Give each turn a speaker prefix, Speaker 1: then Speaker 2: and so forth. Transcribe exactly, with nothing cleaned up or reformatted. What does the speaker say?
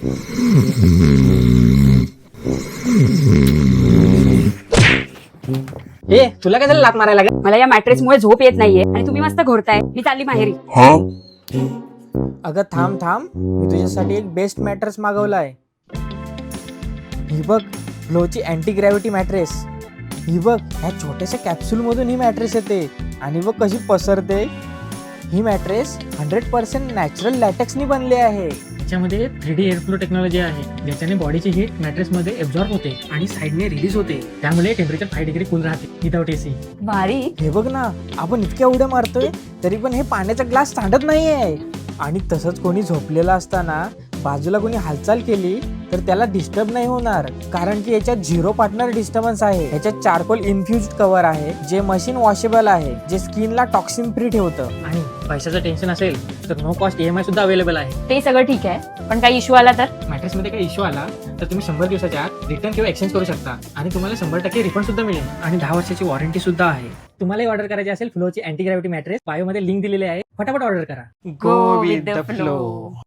Speaker 1: ए तुला काय झालं लात मारायला लागेल?
Speaker 2: मला या मॅट्रेसमुळे झोप येत नाहीये आणि तुम्ही मस्त घोरताय. मी चालली माहेरी.
Speaker 1: अगं थांब थांब, मी तुझ्यासाठी एक बेस्ट मॅट्रेस मागवलाय. ही बघ, फ्लोची अँटी ग्रॅव्हिटी मॅट्रेस. ही बघ, ह्या छोट्याशा कॅप्सूल मधून ही मॅट्रेस येते आणि बघ कशी पसरते. ही मॅट्रेस हंड्रेड पर्सेंट नॅचरल लॅटेक्सनी बनली आहे.
Speaker 3: त्याच्यामध्ये थ्री डी एअरफ्लो टेक्नॉलॉजी आहे, ज्याच्याने बॉडीची हीट मॅट्रेसमध्ये एब्झॉर्ब होते आणि साईडने रिलीज होते. त्यामुळे टेम्परेचर फाय डिग्री कूल राहते विदाउट एसी.
Speaker 2: भारी.
Speaker 1: हे बघ ना, आपण इतक्या उड्या मारतोय तरी पण हे पाण्याचा ग्लास सांडत नाहीये. आणि तसंच कोणी झोपलेला असताना बाजूला कोणी हालचाल केली तर त्याला डिस्टर्ब नाही होणार, कारण की याच्यात झिरो पार्टनर डिस्टर्बन्स आहे. याच्यात चारकोल इन्फ्युज्ड कव्हर आहे, जे मशीन वॉशेबल आहे, जे स्किनला टॉक्सिन फ्री ठेवतं.
Speaker 3: आणि पैशाचं टेन्शन असेल तर नो कॉस्ट ईएमआय सुद्धा अवेलेबल आहे.
Speaker 2: ते सगळं ठीक आहे, पण काही इश्यू आला तर?
Speaker 3: मॅट्रेसमध्ये काही इश्यू आला तर तुम्ही शंभर दिवसाच्या आत रिटर्न किंवा एक्सचेंज करू शकता आणि तुम्हाला शंभर टक्के रिफंड सुद्धा मिळेल आणि दहा वर्षाची वॉरंटी सुद्धा आहे. तुम्हाला ऑर्डर करायची असेल फ्लोची अँटी ग्रॅव्हिटी मॅट्रेस, बायोमध्ये लिंक दिलेली आहे, फटाफट ऑर्डर करा.
Speaker 2: Go with the flow.